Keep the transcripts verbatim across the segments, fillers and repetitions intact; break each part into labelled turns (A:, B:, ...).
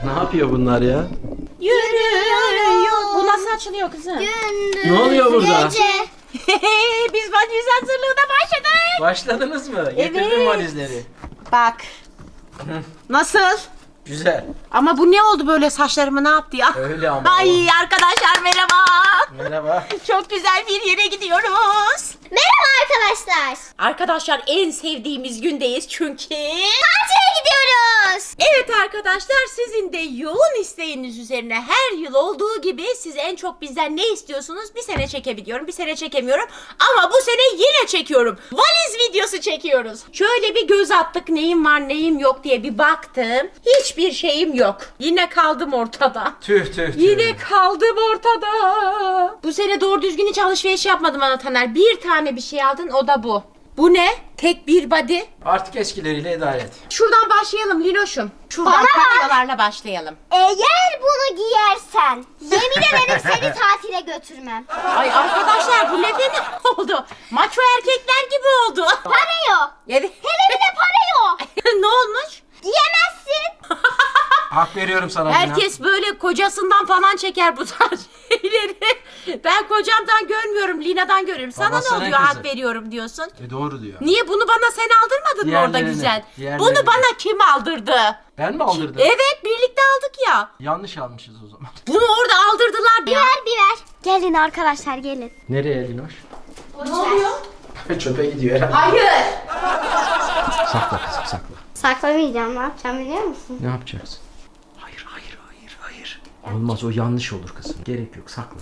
A: Ne yapıyor bunlar ya?
B: Yürüyor. Bu nasıl açılıyor kızım?
C: Gündüz,
A: Ne oluyor burada?
C: Gece.
B: Biz valiz hazırlığına başladık.
A: Başladınız mı? Getirdin
B: Evet.
A: valizleri.
B: Bak. Nasıl?
A: Güzel.
B: Ama bu ne oldu böyle, saçlarımı ne yaptı ya?
A: Öyle ama.
B: Ay arkadaşlar merhaba.
A: Merhaba.
B: Çok güzel bir yere gidiyoruz.
C: Merhaba arkadaşlar.
B: Arkadaşlar en sevdiğimiz gündeyiz çünkü...
C: Tatile gidiyoruz.
B: Evet arkadaşlar, sizin de yoğun isteğiniz üzerine her yıl olduğu gibi siz en çok bizden ne istiyorsunuz? Bir sene çekebiliyorum, bir sene çekemiyorum. Ama bu sene yine çekiyorum. Valiz videosu çekiyoruz. Şöyle bir göz attık, neyim var neyim yok diye bir baktım. Hiçbir şeyim yok. Yine kaldım ortada.
A: Tüh tüh tüh.
B: Yine kaldım ortada. Bu sene doğru düzgün hiç alışveriş yapmadım ana Taner. Bir tane bir şey aldın, o da bu. Bu ne? Tek bir body.
A: Artık eskileriyle idare et.
B: Şuradan başlayalım Linoş'um. Şuradan
C: Bana bak.
B: kameralarla başlayalım.
C: Eğer bunu giyersen yemin ederim seni tatile götürmem.
B: Ay arkadaşlar, bu ne fena oldu. Maço erkekler gibi oldu.
C: Para yok.
B: Evet.
C: Hele bir de para yok.
B: Ne olmuş?
C: Giyemezsin.
A: Hak veriyorum sana. Lina.
B: Herkes böyle kocasından falan çeker bu tarz şeyleri. Ben kocamdan görmüyorum, Lina'dan görüyorum. Sana
A: Babasının
B: ne oluyor
A: kızı.
B: hak veriyorum diyorsun?
A: E doğru diyor.
B: Niye bunu bana sen aldırmadın mı orada
A: Diğerlerini,
B: güzel?
A: diğerlerini.
B: Bunu bana kim aldırdı?
A: Ben mi aldırdım?
B: Evet, birlikte aldık ya.
A: Yanlış almışız o zaman.
B: Bunu orada aldırdılar ya.
C: Ver bir ver. Gelin arkadaşlar gelin.
A: Nereye Linoş?
B: Ne oluyor?
A: Çöpe gidiyor herhalde.
B: Hayır.
A: Sakla kızım sakla.
C: Saklamayacağım, ne yapacağım biliyor musun?
A: Ne yapacaksın? Hayır hayır hayır hayır. Olmaz, o yanlış olur kızım. Gerek yok, sakla.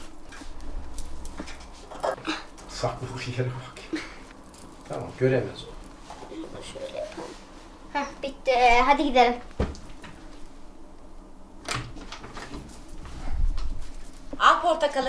A: Saklı bir yere bak. Tamam, göremez o.
C: Heh, bitti. Hadi gidelim.
B: Al portakalı.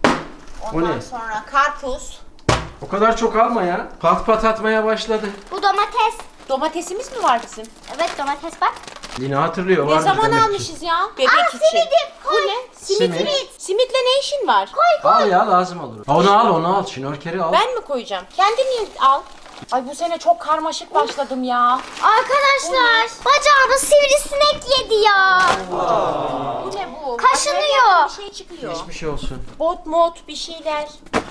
A: O
B: Ondan
A: ne?
B: sonra karpuz.
A: O kadar çok alma ya. Pat pat atmaya başladı.
C: Bu domates.
B: Domatesimiz mi var bizim?
C: Evet domates bak.
A: Lina hatırlıyor.
B: Ne
A: vardır
B: zaman
A: demek ki.
B: almışız ya? Bebek
C: Al
B: için.
C: simidim.
B: Bu
C: Koy.
B: ne? Simit.
A: Simit.
B: Simit. Simitle ne işin var?
A: Al ya, lazım olur. Onu al onu al. Şnorkeri al.
B: Ben mi koyacağım? Kendin al. Ay bu sene çok karmaşık başladım ya.
C: Arkadaşlar bacağımı sivrisinek yedi ya.
B: Bu ne bu?
C: Kaşınıyor.
B: Bir şey çıkıyor.
A: Geçmiş olsun.
B: Bot mod bir şeyler.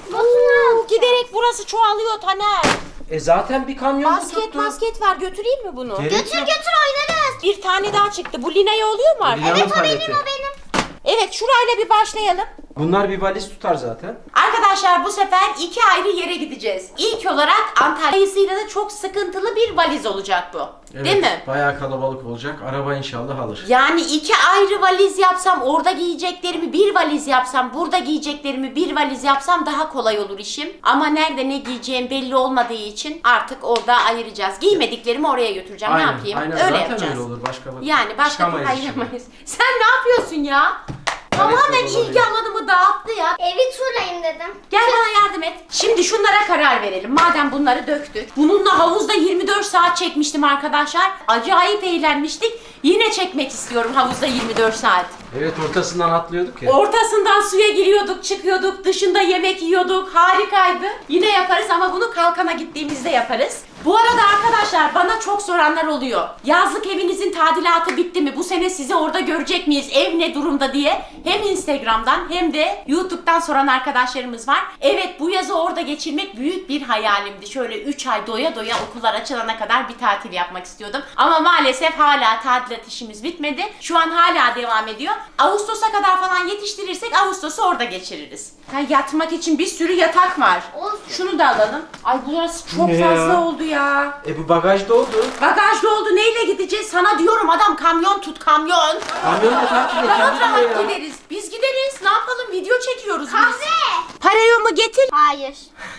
C: Botunu al.
B: Giderek burası çoğalıyor Taner.
A: E zaten bir kamyon
B: Basket
A: tuttu.
B: basket var, götüreyim mi bunu?
A: Gerek
C: Götür
A: yok.
C: götür oynarız.
B: Bir tane daha çıktı. Bu Lina'ya oluyor mu artık?
A: Lina'nın
C: Evet o
A: paleti.
C: benim o benim.
B: Evet, şurayla bir başlayalım.
A: Bunlar bir valiz tutar zaten.
B: Arkadaşlar bu sefer iki ayrı yere gideceğiz. İlk olarak Antalya sayısıyla da çok sıkıntılı bir valiz olacak bu.
A: Evet,
B: Değil mi?
A: bayağı kalabalık olacak. Araba inşallah alır.
B: Yani iki ayrı valiz yapsam, orada giyeceklerimi bir valiz yapsam, burada giyeceklerimi bir valiz yapsam daha kolay olur işim. Ama nerede ne giyeceğim belli olmadığı için artık orada ayıracağız. Giymediklerimi oraya götüreceğim.
A: Aynen,
B: ne yapayım?
A: aynen.
B: Öyle
A: Zaten
B: yapacağız.
A: öyle olur. Başka bak.
B: Yani başka bir
A: Çıkamayız
B: ayıramayız. Sen ne yapıyorsun ya? Tamamen
A: olabilir.
B: ilgi alanımı dağıttı ya.
C: Evi turlayayım dedim.
B: Gel bana yardım et. Şimdi şunlara karar verelim. Madem bunları döktük. Bununla havuzda yirmi dört saat çekmiştim arkadaşlar. Acayip eğlenmiştik. Yine çekmek istiyorum havuzda yirmi dört saat.
A: Evet, ortasından atlıyorduk ya.
B: Ortasından suya giriyorduk, çıkıyorduk, dışında yemek yiyorduk. Harikaydı. Yine yaparız ama bunu kalkana gittiğimizde yaparız. Bu arada arkadaşlar bana çok soranlar oluyor. Yazlık evinizin tadilatı bitti mi? Bu sene sizi orada görecek miyiz? Ev ne durumda diye. Hem Instagram'dan hem de YouTube'dan soran arkadaşlarımız var. Evet, bu yazı orada geçirmek büyük bir hayalimdi. Şöyle üç ay doya doya okullar açılana kadar bir tatil yapmak istiyordum. Ama maalesef hala tadilat işimiz bitmedi. Şu an hala devam ediyor. Ağustos'a kadar falan yetiştirirsek Ağustos'u orada geçiririz. Ha, yatmak için bir sürü yatak var.
C: Olsun.
B: Şunu da alalım. Ay burası çok
A: Ne ya?
B: fazla oldu ya.
A: E bu bagaj doldu.
B: Bagaj doldu, neyle gideceğiz? Sana diyorum adam, kamyon tut kamyon.
A: Kamyonla tatile
B: Rahat
A: gidiyor
B: rahat
A: ya.
B: gideriz. Biz gideriz. Ne yapalım? Video çekiyoruz biz.
C: Kahve.
B: Parayı mı getir?
C: Hayır.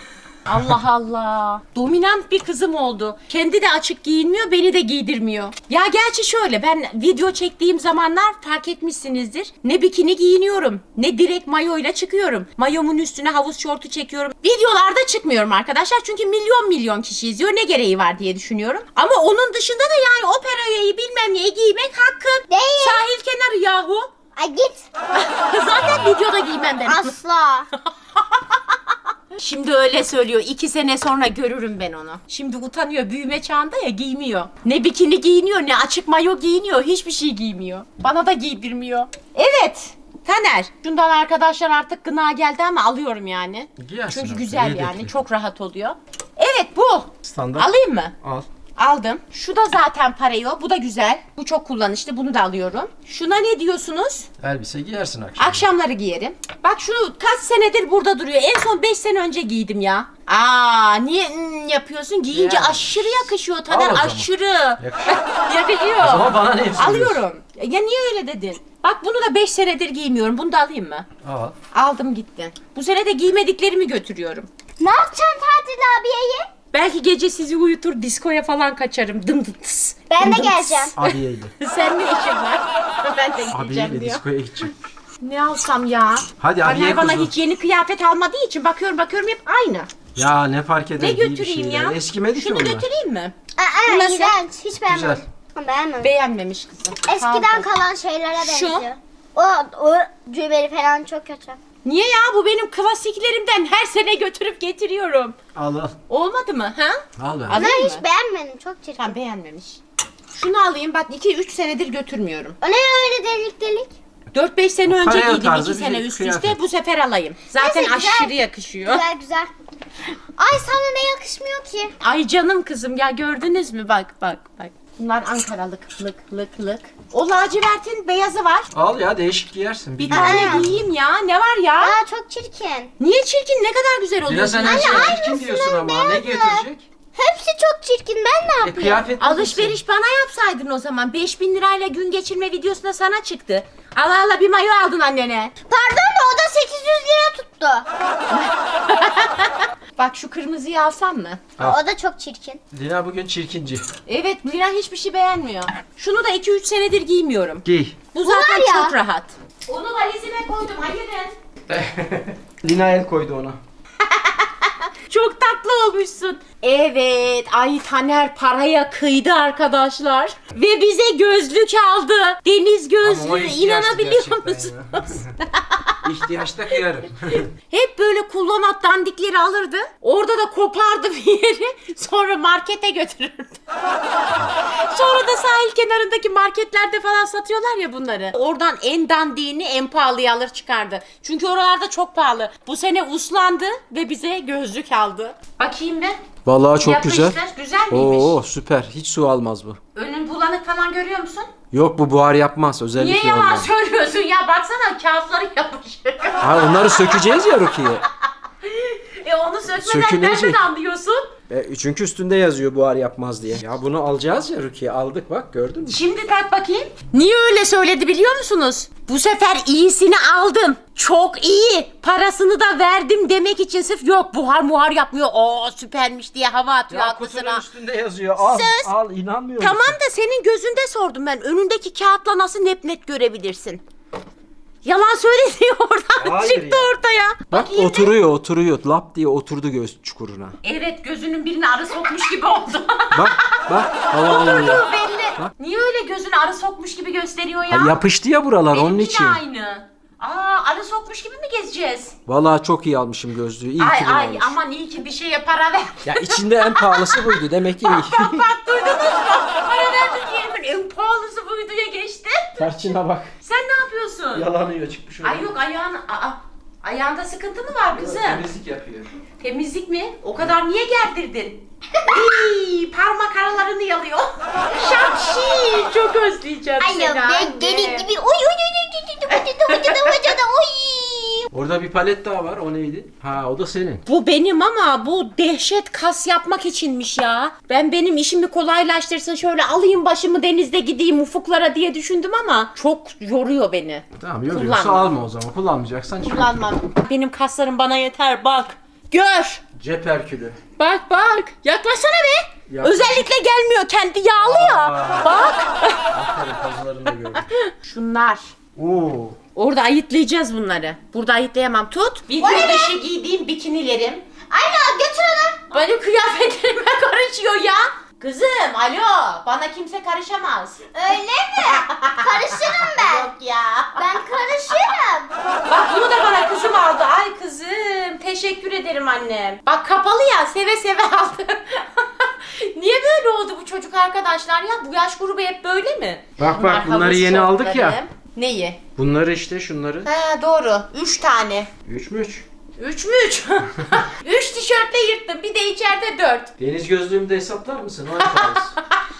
B: Allah Allah. Dominant bir kızım oldu. Kendi de açık giyinmiyor, beni de giydirmiyor. Ya gerçi şöyle, ben video çektiğim zamanlar fark etmişsinizdir. Ne bikini giyiniyorum, ne direkt mayoyla çıkıyorum. Mayomun üstüne havuz şortu çekiyorum. Videolarda çıkmıyorum arkadaşlar çünkü milyon milyon kişi izliyor. Ne gereği var diye düşünüyorum. Ama onun dışında da yani operayı bilmem neyi giymek hakkın.
C: Değil.
B: Sahil kenarı yahu.
C: Ay git.
B: Zaten videoda giymem ben.
C: Asla.
B: Şimdi öyle söylüyor. İki sene sonra görürüm ben onu. Şimdi utanıyor. Büyüme çağında ya, giymiyor. Ne bikini giyiniyor ne açık mayo giyiniyor. Hiçbir şey giymiyor. Bana da giydirmiyor. Evet. Taner. Şundan arkadaşlar artık gına geldi ama alıyorum yani.
A: Giyersin
B: Çünkü
A: artık,
B: güzel
A: yedekli.
B: yani. Çok rahat oluyor. Evet bu.
A: Standart.
B: Alayım mı?
A: Al.
B: Aldım. Şu da zaten pareo. Bu da güzel. Bu çok kullanışlı. Bunu da alıyorum. Şuna ne diyorsunuz?
A: Elbise giyersin akşam.
B: Akşamları giyerim. Bak şunu kaç senedir burada duruyor. En son beş sene önce giydim ya. Aa niye hmm, yapıyorsun? Giyince
A: Yani.
B: aşırı yakışıyor
A: Al
B: Taner,
A: o zaman.
B: aşırı.
A: Yakışır.
B: Yakışıyor.
A: O zaman bana ne hepsini
B: Alıyorum. Ya niye öyle dedin? Bak bunu da beş senedir giymiyorum. Bunu da alayım mı?
A: Al.
B: Aldım gitti. Bu sene de giymediklerimi götürüyorum.
C: Ne yapacaksın tatil abiyeyi?
B: Belki gece sizi uyutur, diskoya falan kaçarım. Dım dım tıs.
C: Ben
B: Dım
C: de
B: dım
C: geleceğim.
B: tıs.
A: Abiyeyle.
B: Sen ne işin var? Ben de gideceğim
A: Abiyeyle
B: diyor.
A: diskoya gidecek.
B: Ne alsam ya?
A: Hadi abiye
B: Taner bana
A: kuzum.
B: hiç yeni kıyafet almadığı için bakıyorum bakıyorum hep aynı.
A: Ya ne fark eder?
B: Ne
A: giy bir
B: götüreyim
A: şeyler.
B: ya?
A: Eskimedi ki
B: Şunu
A: bunlar.
B: götüreyim mi?
C: Aa,
B: Nasıl?
C: iğrenç. Hiç beğenmedim.
A: Güzel.
C: Beğenmedim.
B: Beğenmemiş kızım.
C: Eskiden
B: Pardon.
C: kalan şeylere
B: Şu.
C: benziyor. O, o cübeli falan çok kötü.
B: Niye ya? Bu benim klasiklerimden, her sene götürüp getiriyorum.
A: Al al.
B: Olmadı mı? Ha?
A: Al ben.
B: Alayım
C: Ben
B: mı?
C: hiç beğenmedim. Çok çirkin.
B: Tamam, beğenmemiş. Şunu alayım, bak iki üç senedir götürmüyorum.
C: O ne öyle delik delik?
B: dört beş sene önce
A: paraya
B: giydim,
A: tarzı
B: iki
A: bir
B: sene üst
A: kıyafet.
B: üste, bu sefer alayım. Zaten
C: Neyse, güzel.
B: aşırı yakışıyor.
C: Güzel güzel. Ay sana ne yakışmıyor ki?
B: Ay canım kızım ya, gördünüz mü? Bak bak bak. Bunlar Ankaralık lık lık lık. O lacivertin beyazı var.
A: Al ya, değişik giyersin.
B: Bir
A: Biliyorum.
B: tane
C: Aa.
B: giyeyim ya. Ne var ya?
C: Aa çok çirkin.
B: Niye çirkin? Ne kadar güzel
A: Biraz
B: oluyorsun.
A: sen her
C: Anne,
A: şeye çirkin
C: aynısının
A: diyorsun ama. Ne
C: beyazı.
A: getirecek?
C: Hepsi çok çirkin. Ben ne
A: E,
C: yapayım?
A: kıyafet
B: Alışveriş bana yapsaydın o zaman. beş bin lirayla gün geçirme videosunda sana çıktı. Ala ala bir mayo aldın annene.
C: Pardon da o da sekiz yüz lira tuttu.
B: Bak şu kırmızıyı alsam mı?
A: Al.
C: O da çok çirkin.
A: Lina bugün çirkinci.
B: Evet, Lina hiçbir şey beğenmiyor. Şunu da iki üç senedir giymiyorum.
A: Giy.
B: Bu zaten
C: var ya.
B: çok rahat. Onu valizime koydum, hayırın.
A: Lina el koydu ona.
B: Çok tatlı olmuşsun. Evet, ay Taner paraya kıydı arkadaşlar. Ve bize gözlük aldı. Deniz
A: Ama o
B: gözlüğü,
A: ihtiyaçtı
B: inanabiliyor
A: gerçekten
B: musunuz?
A: ya. İhtiyaçta kıyarım.
B: Hep böyle kullanat dandikleri alırdı. Orada da kopardı bir yeri. Sonra markete götürürdü. Sonra da sahil kenarındaki marketlerde falan satıyorlar ya bunları. Oradan en dandiğini en pahalıya alır çıkardı. Çünkü oralarda çok pahalı. Bu sene uslandı ve bize gözlük aldı. Bakayım bir.
A: Vallahi çok
B: Yapıştır.
A: güzel.
B: Güzel miymiş?
A: Oo süper. Hiç su almaz bu.
B: Önün bulanık falan görüyor musun?
A: Yok, bu buhar yapmaz. Özellikle
B: Niye yalan
A: ondan.
B: söylüyorsun ya? Baksana kağıtları yapışıyor.
A: Ha, onları sökeceğiz ya Rukiye.
B: e onu sökmeden
A: Sökülecek.
B: nereden anlıyorsun?
A: E, çünkü üstünde yazıyor buhar yapmaz diye. Ya bunu alacağız ya Rukiye. Aldık bak, gördün mü?
B: Şimdi tak bakayım. Niye öyle söyledi biliyor musunuz? Bu sefer iyisini aldım. Çok iyi. Parasını da verdim demek için sırf yok buhar muhar yapmıyor. Oo süpermiş diye hava atıyor
A: Ya kutunun
B: aklısına.
A: üstünde yazıyor. Al,
B: Söz.
A: al, inanmıyorum.
B: Tamam da senin gözünde sordum ben. Önündeki kağıtla nasıl net net görebilirsin? Yalan söyledi oradan
A: Hayır
B: çıktı
A: ya.
B: ortaya.
A: Bak
B: Bakayım bir.
A: oturuyor, oturuyor. Lap diye oturdu göz çukuruna.
B: Evet, gözünün birine arı sokmuş gibi oldu.
A: Bak, bak. Hava alıyor.
B: Oturduğu belli. Niye öyle gözüne arı sokmuş gibi gösteriyor ya?
A: Ha, yapıştı ya buralar onun
B: Benimki
A: için.
B: de aynı. Aa, arı sokmuş gibi mi gezeceğiz?
A: Vallahi çok iyi almışım gözlüğü. İyi
B: Ay
A: ki bunu
B: ay
A: almışım.
B: aman iyi ki bir şeye para ver.
A: Ya içinde en pahalısı buydu. Demek ki iyi.
B: Bak duydunuz mu? Para verdik yerimin en pahalısı buyduya geçti.
A: Tarçına bak.
B: Sen ne yapıyorsun?
A: Yalanıyor, çıkmış oraya.
B: Ay yok ayağın, aa, ayağında sıkıntı mı var kızım?
A: Temizlik yapıyor.
B: Temizlik mi? O kadar niye gerdirdin? Iy, parmak aralarını yalıyor. Şapşi, çok özleyeceğim
C: Ay
B: seni
C: ya
B: anne.
C: ben deli gibi. Oy oy oy oy oy oy oy oy oy.
A: Orada bir palet daha var. O neydi? Ha, o da senin.
B: Bu benim ama bu dehşet kas yapmak içinmiş ya. Ben benim işimi kolaylaştırsın şöyle alayım başımı denizde gideyim ufuklara diye düşündüm ama çok yoruyor beni.
A: Tamam, yoruyorsa
B: Kullanma.
A: alma o zaman. Kullanmayacaksan çıkar.
B: Kullanmam. Benim kaslarım bana yeter bak. Gör.
A: Cep herkülü.
B: Bak bak. Yaklaşsana be.
A: Yaklaş.
B: Özellikle gelmiyor kendi yağlı ya.
A: Aa.
B: Bak.
A: Aferin, pazılarını da gördüm.
B: Şunlar.
A: Oo.
B: Orada ayıtlayacağız bunları. Burada ayıtlayamam. Tut. Video dışı giydiğim bikinilerim.
C: Aynen götür onu.
B: Benim kıyafetlerime karışıyor ya. Kızım alo, bana kimse karışamaz.
C: Öyle mi? Karışırım ben.
B: Yok ya.
C: Ben karışırım.
B: Bak bunu da bana kızım aldı. Ay kızım teşekkür ederim annem. Bak kapalı ya, seve seve aldı. Niye böyle oldu bu çocuk arkadaşlar ya? Bu yaş grubu hep böyle mi?
A: Bak bak, bunları
B: havuz
A: yeni aldık ya.
B: şortlarım. Neyi?
A: Bunları işte, şunları.
B: He doğru. Üç tane.
A: Üç mü üç?
B: Üç mü üç? Üç tişörtle yırttım. Bir de içeride dört.
A: Deniz gözlüğümü de hesaplar mısın? O yaparız.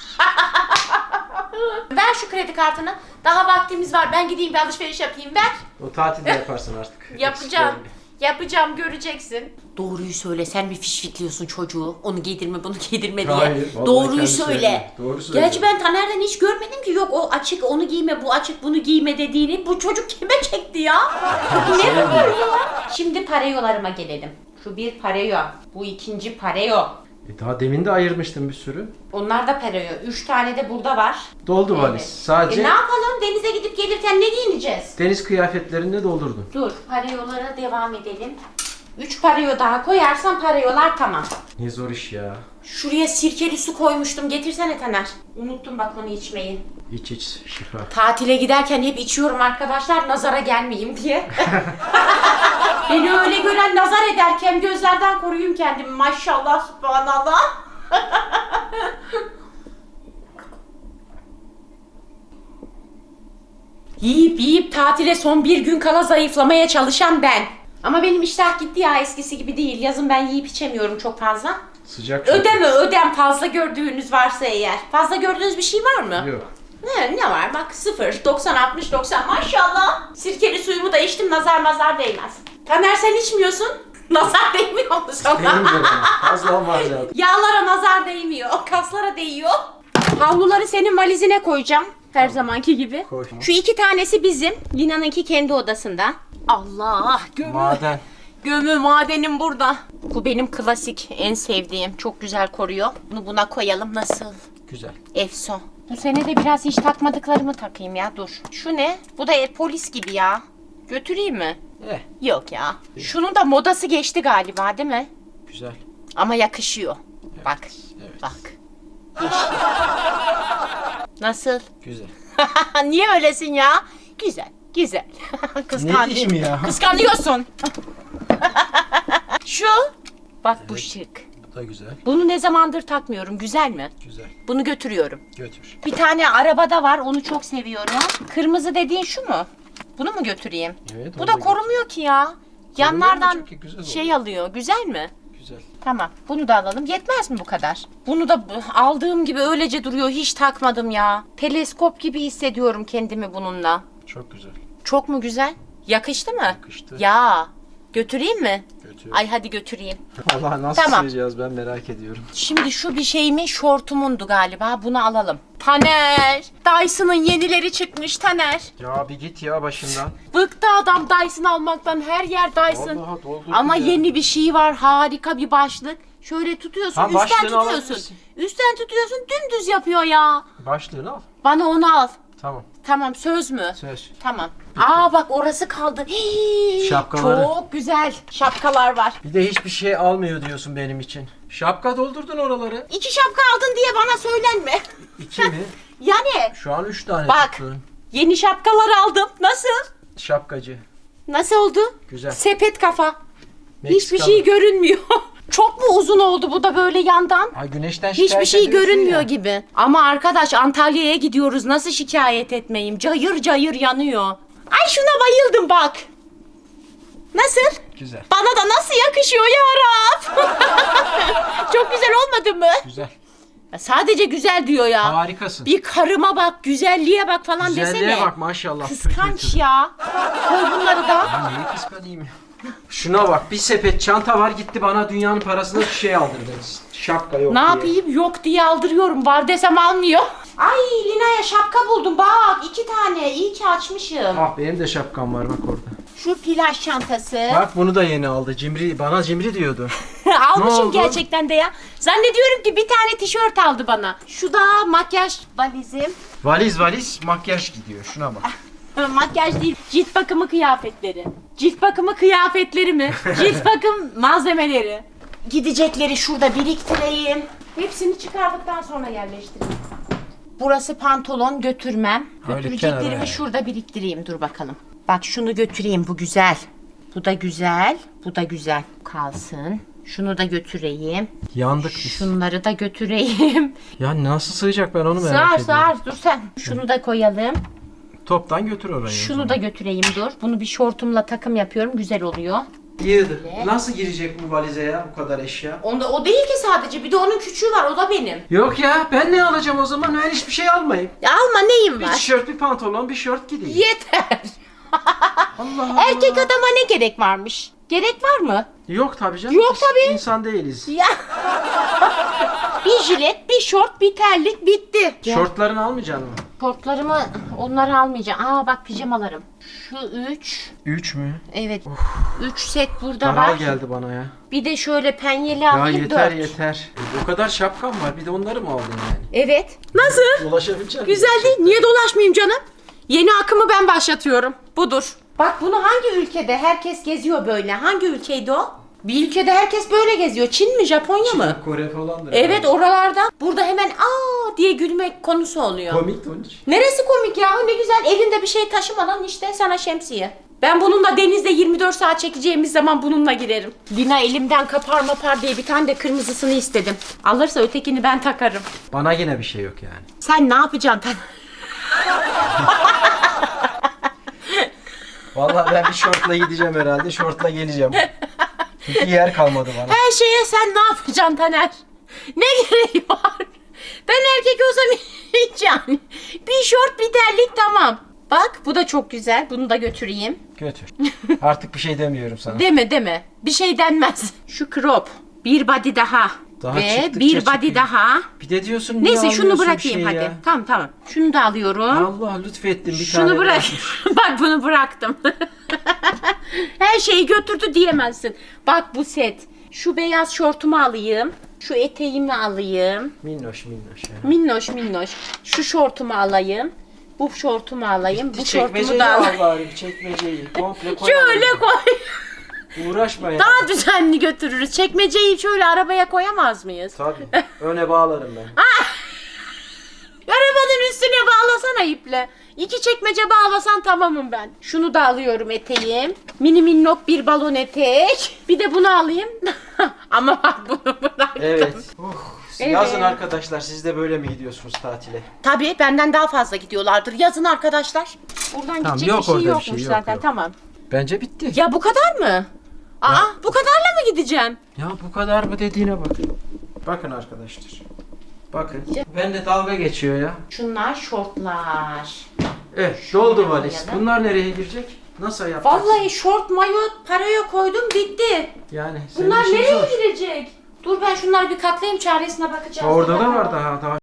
B: Ver şu kredi kartını. Daha vaktimiz var. Ben gideyim bir alışveriş yapayım. Ver.
A: O tatilde yaparsın artık.
B: Yapacağım.
A: Eksiklerini.
B: Yapacağım, göreceksin. Doğruyu söyle, sen bir fişfikliyorsun çocuğu. Onu giydirme, bunu giydirme diye.
A: Hayır, vallahi
B: Doğruyu
A: kendi
B: söyle.
A: söylüyor. Doğru söylüyor.
B: Gerçi ben Taner'den hiç görmedim ki, yok o açık onu giyme, bu açık bunu giyme dediğini. Bu çocuk kime çekti ya? Ne bu böyle ya? Şimdi pareyolarıma gelelim. Şu bir pareyo, bu ikinci pareyo.
A: E daha demin de ayırmıştım bir sürü.
B: Onlar da pareyo. Üç tane de burada var.
A: Doldu
B: Evet.
A: valiz. Sadece
B: E ne yapalım? Denize gidip gelirken ne giyineceğiz?
A: deniz kıyafetlerini doldurdum.
B: Dur, pareyolara devam edelim. Üç pareyo daha koyarsam pareyolar tamam.
A: Ne zor iş ya.
B: Şuraya sirkeli su koymuştum. Getirsene Taner. Unuttum bak onu içmeyi.
A: İç iç şifa.
B: Tatile giderken hep içiyorum arkadaşlar, nazara gelmeyeyim diye. Beni öyle gören nazar ederken gözlerden koruyayım kendimi. Maşallah, subhanallah. Yiyip yiyip tatile son bir gün kala zayıflamaya çalışan ben. Ama benim iştah gitti ya, eskisi gibi değil. Yazın ben yiyip içemiyorum çok fazla.
A: Sıcak çünkü.
B: Ödeme ödem fazla gördüğünüz varsa eğer. Fazla gördüğünüz bir şey var mı?
A: Yok.
B: Ne, ne var bak, sıfır, doksan, altmış, doksan maşallah. Sirkeli suyumu da içtim, nazar mazar değmez. Taner sen içmiyorsun. Nazar değmiyor mu sana?
A: Değmiyorum. Fazla var zaten.
B: Yağlara nazar değmiyor, kaslara değiyor. Havluları senin valizine koyacağım. Her zamanki gibi.
A: Koy.
B: Şu iki tanesi bizim. Lina'nınki kendi odasında. Allah gömü.
A: Maden.
B: Gömü madenim burada. Bu benim klasik, en sevdiğim. Çok güzel koruyor. Bunu buna koyalım. Nasıl?
A: Güzel.
B: Efson. Bu sene de biraz hiç takmadıklarımı takayım ya, dur. Şu ne? Bu da e, polis gibi ya. Götüreyim mi?
A: Eh,
B: Yok ya. Şunun da modası geçti galiba değil mi?
A: güzel.
B: Ama yakışıyor. Bak.
A: Evet.
B: Bak. Geçti. Nasıl?
A: Güzel.
B: Niye öylesin ya? Güzel. Güzel. Kıskanç.
A: Ne diyeyim ya?
B: Kıskanıyorsun. Şu. Bak bu şık.
A: Bu da güzel.
B: Bunu ne zamandır takmıyorum. Güzel mi?
A: Güzel.
B: Bunu götürüyorum.
A: Götür.
B: Bir tane arabada var. Onu çok seviyorum. Kırmızı dediğin şu mu? Bunu mu götüreyim?
A: Evet,
B: Bu
A: onu
B: da
A: da
B: korumuyor ki ya. Yanlardan
A: çünkü güzel
B: şey
A: oluyor.
B: alıyor. Güzel mi?
A: Güzel.
B: Tamam. Bunu da alalım. Yetmez mi bu kadar? Bunu da b- aldığım gibi öylece duruyor. Hiç takmadım ya. Teleskop gibi hissediyorum kendimi bununla.
A: Çok güzel.
B: Çok mu güzel? Yakıştı mı?
A: Yakıştı.
B: Ya. Götüreyim mi?
A: Götür.
B: Ay hadi götüreyim.
A: Allah nasıl
B: Tamam.
A: sığacağız ben merak ediyorum.
B: Şimdi şu bir şeyimin şortumundu galiba. Bunu alalım. Taner. Dyson'ın yenileri çıkmış Taner.
A: Ya bir git ya başından.
B: Bıktı adam Dyson almaktan. Her yer Dyson.
A: Vallahi doldurdu
B: Ama
A: ya.
B: yeni bir şey var. Harika bir başlık. Şöyle tutuyorsun.
A: Ha,
B: üstten
A: başlığını
B: tutuyorsun.
A: alabilirsin.
B: Üstten tutuyorsun. Dümdüz yapıyor ya.
A: Başlığını al.
B: Bana onu al.
A: Tamam.
B: Tamam, söz mü?
A: Söz.
B: Tamam. Aa bak orası kaldı. Hii,
A: Şapkaları.
B: Çok güzel şapkalar var.
A: Bir de hiçbir şey almıyor diyorsun benim için. Şapka doldurdun oraları.
B: İki şapka aldın diye bana söylenme.
A: İki mi?
B: Yani
A: Şu an üç tane
B: bak
A: tuttun.
B: yeni şapkalar aldım. Nasıl?
A: Şapkacı.
B: Nasıl oldu?
A: Güzel.
B: Sepet kafa. Hiçbir
A: Meksikalı.
B: şey görünmüyor. Çok mu uzun oldu bu da böyle yandan?
A: Ay güneşten şikayet
B: Hiçbir şey
A: ediyorsun
B: görünmüyor
A: ya.
B: gibi. Ama arkadaş Antalya'ya gidiyoruz. Nasıl şikayet etmeyeyim? Cayır cayır yanıyor. Ay şuna bayıldım bak. Nasıl?
A: Güzel.
B: Bana da nasıl yakışıyor ya Rab? Çok güzel olmadı mı?
A: Güzel.
B: Sadece güzel diyor ya.
A: Harikasın.
B: Bir karıma bak, güzelliğe bak falan
A: Güzelliğe
B: desene.
A: bak maşallah.
B: Kıskanç
A: Pütür.
B: ya. Koy bunları da.
A: Ya neyi kıskanayım ya? Şuna bak, bir sepet çanta var, gitti bana dünyanın parasına bir şey aldırdı. Şapka yok
B: Ne
A: diye.
B: yapayım? Yok diye aldırıyorum. Var desem almıyor. Ay Lina'ya şapka buldum bak. iki tane. İyi ki açmışım.
A: Ah benim de şapkam var bak orada.
B: Şu plaj çantası.
A: Bak bunu da yeni aldı. Cimri, bana cimri diyordu. Ne
B: Almışım
A: oldu?
B: gerçekten de ya. Zannediyorum ki bir tane tişört aldı bana. Şu da makyaj valizim.
A: Valiz valiz makyaj gidiyor. Şuna bak.
B: Makyaj değil, cilt bakımı kıyafetleri. Cilt bakımı kıyafetleri mi? Cilt bakım malzemeleri. Gidecekleri şurada biriktireyim. Hepsini çıkardıktan sonra yerleştireyim. Burası pantolon, götürmem.
A: Öyle
B: Götüreceklerimi
A: kenara.
B: şurada biriktireyim. Dur bakalım. Bak şunu götüreyim, bu güzel. Bu da güzel, bu da güzel. Kalsın. Şunu da götüreyim.
A: Yandık biz.
B: Şunları da götüreyim.
A: Ya nasıl sığacak ben onu merak
B: Sığar
A: ediyorum.
B: sığar, dur sen. Şunu da koyalım.
A: Toptan götür oraya.
B: Şunu da götüreyim, dur. Bunu bir şortumla takım yapıyorum, güzel oluyor.
A: Yığdı. Nasıl girecek bu valize ya bu kadar eşya?
B: Onda o değil ki sadece, bir de onun küçüğü var, o da benim.
A: Yok ya ben ne alacağım o zaman? Ben hiçbir şey almayayım.
B: Ya alma, neyim
A: Bir
B: var?
A: tişört, bir pantolon, bir şort gideyim.
B: Yeter.
A: Allah Allah.
B: Erkek adama ne gerek varmış? Gerek var mı?
A: Yok tabii canım.
B: Yok
A: Biz
B: tabii.
A: İnsan değiliz.
B: Ya. Bir jilet, bir şort, bir terlik, bitti.
A: Şortlarını almayacaksın mı?
B: Şortlarımı, onları almayacağım. Aa bak, pijamalarım. Şu üç.
A: Üç mü?
B: Evet. Üç set burada
A: Daral
B: var.
A: geldi bana ya.
B: Bir de şöyle penyeli
A: Ya
B: alayım,
A: yeter
B: dört.
A: yeter. O kadar şapkam var. Bir de onları mı aldın yani?
B: Evet. Nasıl?
A: Dolaşabilecek misin?
B: Güzel değil. Niye dolaşmayayım canım? Yeni akımı ben başlatıyorum. Budur. Bak bunu hangi ülkede herkes geziyor böyle? Hangi ülkeydi o? Bir ülkede herkes böyle geziyor. Çin mi, Japonya mı?
A: Kore falandır.
B: Evet, oralarda. Burada hemen aa diye gülmek konusu oluyor.
A: Komik de onun için.
B: Neresi komik ya? Ne güzel, elinde bir şey taşımadan işte sana şemsiye. Ben bununla denizde yirmi dört saat çekeceğimiz zaman bununla girerim. Lina elimden kapar mapar diye bir tane de kırmızısını istedim. Alırsa ötekini ben takarım.
A: Bana yine bir şey yok yani.
B: Sen ne yapacaksın?
A: Vallahi ben bir şortla gideceğim herhalde. Şortla geleceğim. Çünkü yer kalmadı bana.
B: Her şeye sen ne yapacaksın Taner? Ne gereği var? Ben erkek olsam hiç yani. Bir şort, bir terlik, tamam. Bak bu da çok güzel. Bunu da götüreyim.
A: Götür. Artık bir şey demiyorum sana.
B: Deme deme. Bir şey denmez. Şu crop. Bir body daha.
A: Daha
B: Ve
A: çıktıkça
B: bir body
A: çıkıyor.
B: daha.
A: Bir de diyorsun niye
B: Neyse şunu
A: almıyorsun
B: bırakayım
A: şeyi
B: hadi.
A: ya?
B: Tamam tamam. Şunu da alıyorum.
A: Allah lütfettin bir
B: Şunu
A: tane.
B: bırak.
A: bırakmış.
B: Bak bunu bıraktım. Her şeyi götürdü diyemezsin. Bak bu set. Şu beyaz şortumu alayım. Şu eteğimi alayım.
A: Minnoş minnoş ya.
B: Minnoş minnoş. Şu şortumu alayım. Bu şortumu alayım. Bu şortumu
A: Çekmeceyi
B: da
A: al
B: alayım.
A: bari bir çekmeceyi. Komple koy.
B: Şöyle koy.
A: Uğraşma ya.
B: Daha düzenli götürürüz. Çekmeceyi şöyle arabaya koyamaz mıyız?
A: Tabii. Öne bağlarım ben.
B: Arabanın üstüne bağlasana iple. İki çekmece bağlasan tamamım ben. Şunu da alıyorum, eteğim. Mini minnok bir balon etek. Bir de bunu alayım. Ama bak bunu bıraktım.
A: Evet. Uh,
B: Evet.
A: Yazın arkadaşlar siz de böyle mi gidiyorsunuz tatile?
B: Tabii benden daha fazla gidiyorlardır. Yazın arkadaşlar. Buradan
A: Tamam,
B: gidecek
A: yok
B: bir şey
A: orada bir
B: yokmuş
A: şey, yok,
B: zaten.
A: yok.
B: Tamam.
A: Bence bitti.
B: Ya bu kadar mı? Aa, bu kadarla mı gideceğim?
A: Ya bu kadar mı dediğine bak. Bakın arkadaşlar. Bakın. Ben de dalga geçiyor ya.
B: Şunlar şortlar.
A: Evet doldu valiz.
B: koyalım.
A: Bunlar nereye girecek? Nasıl yapacağız?
B: Vallahi şort, mayo, paraya koydum, bitti.
A: Yani senin
B: Bunlar
A: işin
B: nereye
A: zor.
B: girecek? Dur ben şunları bir katlayayım, çaresine bakacağız.
A: Orada da
B: Bakalım.
A: var daha daha.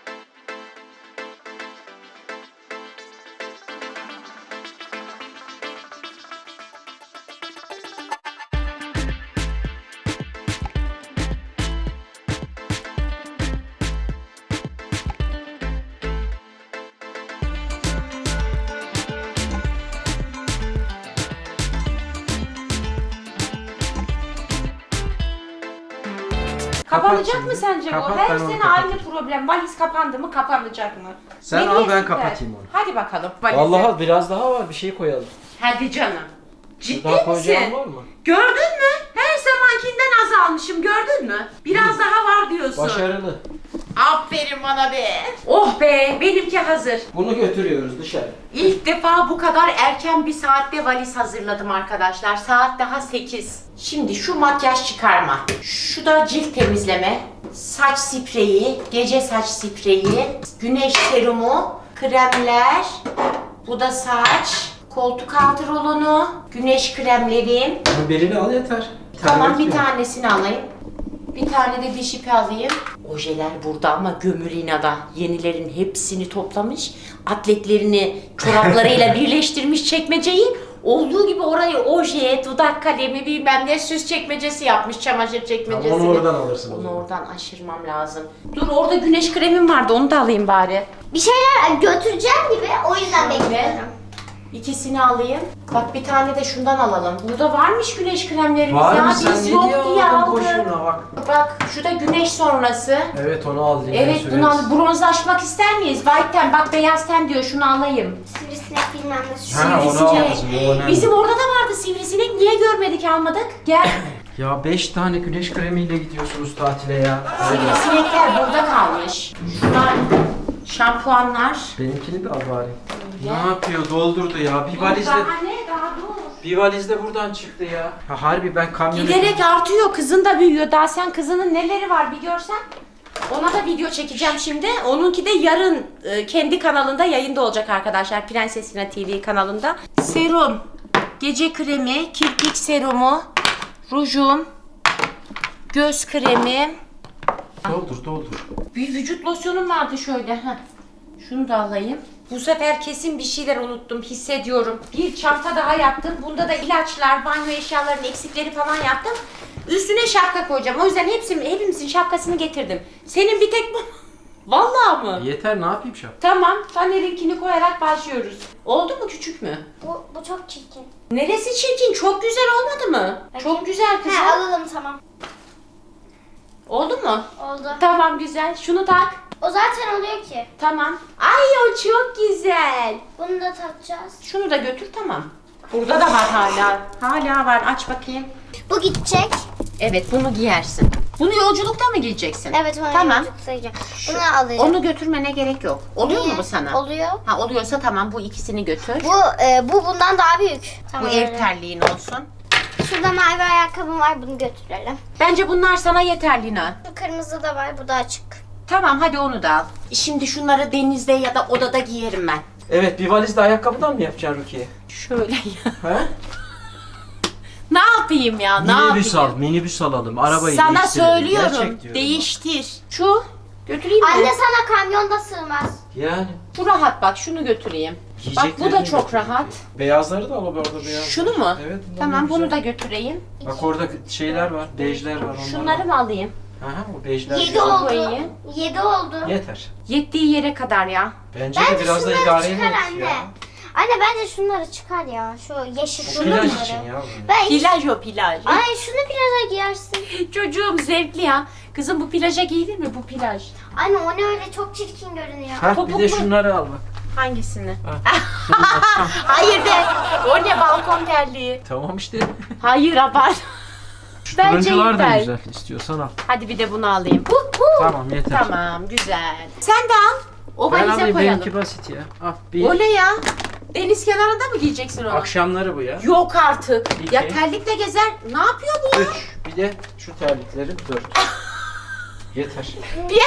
B: Kapanacak
A: Kapat
B: mı
A: şimdi.
B: sence
A: Kapat,
B: bu? Her
A: ben onu
B: sene
A: kapatayım.
B: aynı problem. Valiz kapandı mı, kapanacak mı?
A: Sen
B: Ne
A: al, ben
B: diyorsun
A: kapatayım onu.
B: Hadi bakalım. Valize.
A: Allah'a biraz daha var bir şey koyalım.
B: Hadi canım. Ciddi
A: Daha koyacağın
B: misin?
A: var mı?
B: Gördün mü? Her zamankinden azalmışım, gördün mü? Biraz daha var diyorsun.
A: Başarılı.
B: Aferin bana be. Oh be, benimki hazır.
A: Bunu götürüyoruz dışarı.
B: İlk defa bu kadar erken bir saatte valiz hazırladım arkadaşlar. Saat daha sekiz. Şimdi şu makyaj çıkarma. Şu da cilt temizleme. Saç spreyi, gece saç spreyi, güneş serumu, kremler. Bu da saç, koltuk altı rolonu, güneş kremlerim.
A: Bunu birini al yeter. Bir tane
B: Tamam, bir
A: yetmiyor.
B: tanesini alayım. Bir tane de diş ipi alayım. Ojeler burada ama Gömülina'da. Yenilerin hepsini toplamış. Atletlerini çoraplarıyla birleştirmiş çekmeceyi. Olduğu gibi orayı oje, dudak kalemi, bilmem ne süs çekmecesi yapmış, çamaşır çekmecesi.
A: Tamam, onu oradan alırsın o
B: Onu
A: zaman.
B: oradan aşırmam lazım. Dur, orada güneş kremim vardı, onu da alayım bari.
C: Bir şeyler götüreceğim gibi o yüzden bekliyorum.
B: İkisini alayım. Bak bir tane de şundan alalım. Burada varmış güneş kremlerimiz
A: Var
B: ya.
A: mı sen
B: Biz
A: ne
B: yok
A: diye
B: diye
A: aldın
B: aldık.
A: boşuna bak.
B: Bak şu da güneş sonrası.
A: Evet onu al diye
B: Evet
A: süreriz.
B: bunu al. Bronzlaşmak ister miyiz? White ten, bak beyaz ten diyor. Şunu alayım.
C: Sivrisinek bilmem ne.
A: Ha, onu
B: Sivrisinek.
A: al kızım, o önemli.
B: Bizim orada da vardı sivrisinek. Niye görmedik, almadık? Gel.
A: Ya beş tane güneş kremiyle gidiyorsunuz tatile ya.
B: Sivrisinekler burada kalmış. Şunlar şampuanlar.
A: Benimkini de al bari.
B: Gel.
A: Ne yapıyor? Doldurdu ya. Bir valizde
B: Daha ne? Daha dur.
A: bir valizde buradan çıktı ya. Ha, harbi ben kamyonet.
B: Giderek artıyor. Kızın da büyüyor. Daha sen kızının neleri var bir görsen. Ona da video çekeceğim şimdi. Onunki de yarın e, kendi kanalında yayında olacak arkadaşlar. Prensesina T V kanalında. Serum, gece kremi, kirpik serumu, rujum, göz kremi.
A: Doldur doldur.
B: Bir vücut losyonum vardı şöyle. Heh. Şunu da alayım. Bu sefer kesin bir şeyler unuttum, hissediyorum. Bir çanta daha yaptım. Bunda da ilaçlar, banyo eşyalarının eksikleri falan yaptım. Üstüne şapka koyacağım. O yüzden hepsini, hepimizin şapkasını getirdim. Senin bir tek bu. Vallahi mı?
A: Yeter ne yapayım şap?
B: Tamam. Taner'inkini koyarak başlıyoruz. Oldu mu, küçük mü?
C: Bu, bu çok çirkin.
B: Neresi çirkin? Çok güzel olmadı mı? Çok güzel kızım.
C: He alalım tamam.
B: Oldu mu?
C: Oldu.
B: Tamam, güzel. Şunu tak.
C: O zaten oluyor ki.
B: Tamam. Ay o çok güzel.
C: Bunu da takacağız.
B: Şunu da götür, tamam. Burada da var hala. Hala var. Aç bakayım.
C: Bu gidecek.
B: Evet, bunu giyersin. Bunu yolculukta mı giyeceksin?
C: Evet onu
B: Tamam.
C: yolculukta. Bunu alacağım.
B: Onu götürmene gerek yok. Oluyor
C: Niye?
B: mu bu sana?
C: Oluyor.
B: Ha, oluyorsa tamam, bu ikisini götür.
C: Bu e, bu bundan daha büyük.
B: Bu
C: Tamam.
B: ev
C: öyle.
B: terliğin olsun.
C: Şurada mavi ayakkabım var, bunu götürelim.
B: Bence bunlar sana yeter Lina.
C: Şu kırmızı da var, bu da açık.
B: Tamam, hadi onu da al. Şimdi şunları denizde ya da odada giyerim ben.
A: Evet bir valizde ayakkabıdan mı yapacaksın Rukiye?
B: Şöyle ya.
A: He?
B: Ne yapayım ya? Ne
A: Minibüs
B: yapayım?
A: al, minibüs alalım. Arabayı
B: Sana
A: değiştirelim.
B: söylüyorum.
A: Gerçek diyorum.
B: Değiştir. Şu götüreyim mi?
C: Anne sana kamyonda sığmaz.
A: Yani.
B: Bu rahat, bak şunu götüreyim. Bak bu da
A: Yiyeceklerini
B: çok
A: götür.
B: rahat.
A: Beyazları da al orada beyaz.
B: Şunu mu?
A: Evet. bunlar
B: Tamam,
A: güzel.
B: bunu da götüreyim.
A: Bak orada şeyler var, bejler var. Onlar
B: Şunları
A: var.
B: mı alayım?
A: Aha o bejler.
C: Yedi
A: güzel.
C: oldu.
B: koyayım.
C: Yedi oldu.
A: Yeter.
B: Yettiği yere kadar ya.
A: Bence, de
C: Bence
A: biraz da
C: şunları
A: idare
C: çıkar
A: edin
C: anne.
A: ya.
C: Anne bence şunları çıkar ya. Şu yeşil
A: Bu
C: şunları.
A: plaj için ya. bu.
C: Ben hiç...
B: Plaj o plaj.
C: Ay şunu plaja giyersin.
B: Çocuğum zevkli ya. Kızım bu plaja giyilir mi bu plaj?
C: Anne o ne öyle çok çirkin görünüyor.
A: Ha bir
B: Topuklu.
A: de şunları al bak.
B: Hangisini?
A: Ha.
B: Hayır de. O ne balkon terliği?
A: Tamam işte.
B: Hayır abart.
A: Şu
B: Bence
A: turuncular da
B: yeter.
A: güzel. İstiyorsan al.
B: Hadi bir de bunu alayım.
A: Tamam yeter.
B: Tamam, güzel. Sen de al. O
A: Ben
B: valize
A: alayım
B: koyalım.
A: benimki basit ya. Al bir.
B: O ne ya? Deniz kenarında mı giyeceksin onu?
A: Akşamları bu ya.
B: Yok artık.
A: İki.
B: Ya terlikle gezer. Ne yapıyor bu ya?
A: Üç. Bir de şu terliklerim dört. Yeter.
B: Bir...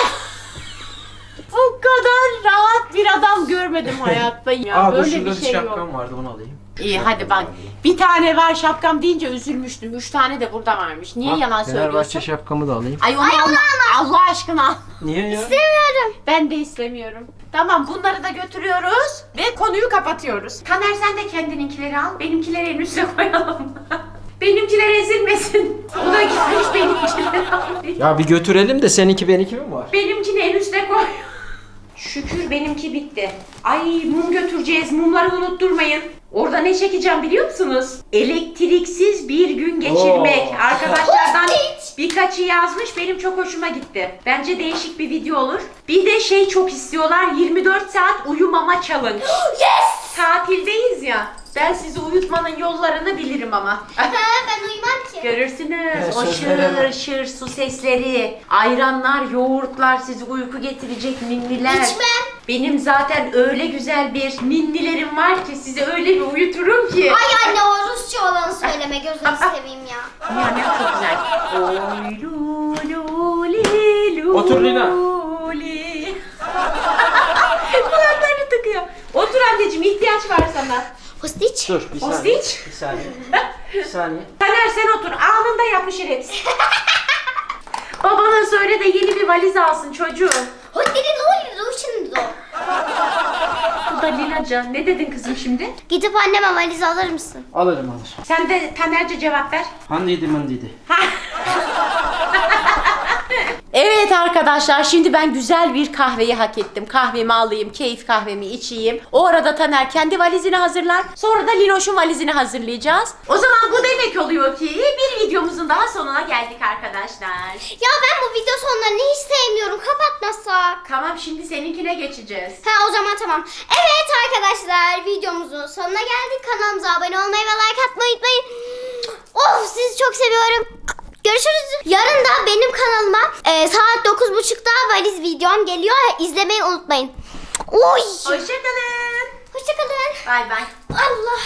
B: Bu kadar rahat bir adam görmedim hayatta ya.
A: Aa dur
B: Böyle
A: şurada
B: bir
A: bir
B: şey yok.
A: şapkam vardı onu alayım.
B: İyi hadi bak. Bir tane var şapkam deyince üzülmüştüm. Üç tane de burada varmış. Niye
A: Bak,
B: yalan
A: Fenerbahçe
B: söylüyorsun?
A: şapkamı da alayım.
B: Ay onu Allah, Allah aşkına al.
A: Niye ya?
B: Ben de istemiyorum. Tamam, bunları da götürüyoruz ve konuyu kapatıyoruz. Taner sen de kendininkileri al. Benimkileri en üste koyalım. Benimkiler ezilmesin. O da gitmiş benimkileri al.
A: Ya bir götürelim de seninki benimki mi var?
B: Benimkini en üste koy. Şükür benimki bitti. Ay mum götüreceğiz. Mumları unutturmayın. Orada ne çekeceğim biliyor musunuz? Elektriksiz bir gün geçirmek.
A: Oo.
B: Arkadaşlardan birkaçı yazmış. Benim çok hoşuma gitti. Bence değişik bir video olur. Bir de şey çok istiyorlar. yirmi dört saat uyumama challenge.
C: Yes!
B: Tatildeyiz ya. Ben sizi uyutmanın yollarını bilirim ama.
C: Ha, ben uyumam ki.
B: Görürsünüz.
A: Evet,
B: O
A: sözlere
B: şır şır su sesleri, ayranlar, yoğurtlar, sizi uyku getirecek ninniler.
C: İçmem.
B: Benim zaten öyle güzel bir ninnilerim var ki sizi öyle bir uyuturum ki.
C: Ay anne o Rusça olanı söyleme gözünü seveyim ya.
B: Yani çok güzel. Oy lu lu li lu
A: Otur Lina.
B: li. Kulaklarını tıkıyor. Otur anneciğim, ihtiyaç var sana.
C: Postiç.
A: Dur bir saniye.
B: Postiç.
A: Bir saniye. Bir saniye.
B: Taner sen otur. Anında yapışır hepsi. Babana söyle de yeni bir valiz alsın çocuğum.
C: Hadi ne oluyor şimdi o?
B: Bu da Linaca. Ne dedin kızım şimdi?
C: Gidip anneme valiz alır mısın?
A: Alırım alır.
B: Sen de Taner'ce cevap ver.
A: Handiydi mandiydi.
B: Evet Evet arkadaşlar, şimdi ben güzel bir kahveyi hak ettim. Kahvemi alayım, keyif kahvemi içeyim. O arada Taner kendi valizini hazırlar. Sonra da Linoş'un valizini hazırlayacağız. O zaman bu demek oluyor ki bir videomuzun daha sonuna geldik arkadaşlar.
C: Ya ben bu video sonlarını hiç sevmiyorum. Kapatmasak.
B: Tamam, şimdi seninkine geçeceğiz.
C: Ha o zaman tamam. Evet arkadaşlar, videomuzun sonuna geldik. Kanalımıza abone olmayı ve like atmayı unutmayın. Of, sizi çok seviyorum. Görüşürüz. Yarın da benim kanalıma e, saat dokuz buçukta valiz videom geliyor. İzlemeyi unutmayın. Oy.
B: Hoşçakalın.
C: Hoşçakalın.
B: Bay bay.